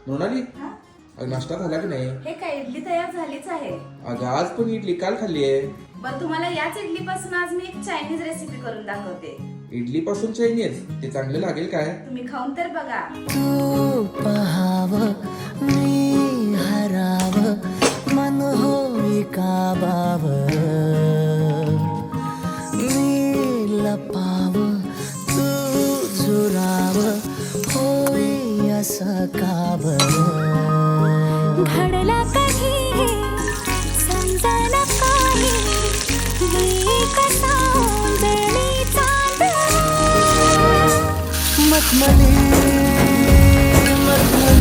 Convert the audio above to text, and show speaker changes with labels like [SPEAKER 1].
[SPEAKER 1] मृणाली,
[SPEAKER 2] हा?
[SPEAKER 1] अगं नाश्ता झाला की नाही?
[SPEAKER 2] हे काय इडली तयार झालीच आहे.
[SPEAKER 1] अगं आज पण इडली काल खाल्ली आहे.
[SPEAKER 2] बरं तुम्हाला याच इडली पासून आज मी एक चायनीज रेसिपी करून दाखवते.
[SPEAKER 1] इडली पासून चायनीज ते चांगले लागेल काय?
[SPEAKER 2] तुम्ही खाऊन तर बघा.
[SPEAKER 3] तू पहाव मी हराव मन होई काबाव मी लपाव तू झुराव होई असं काब
[SPEAKER 4] घडला कधी समजायला काही मी कसा उंजळी चांदणा
[SPEAKER 3] मखमली मखमली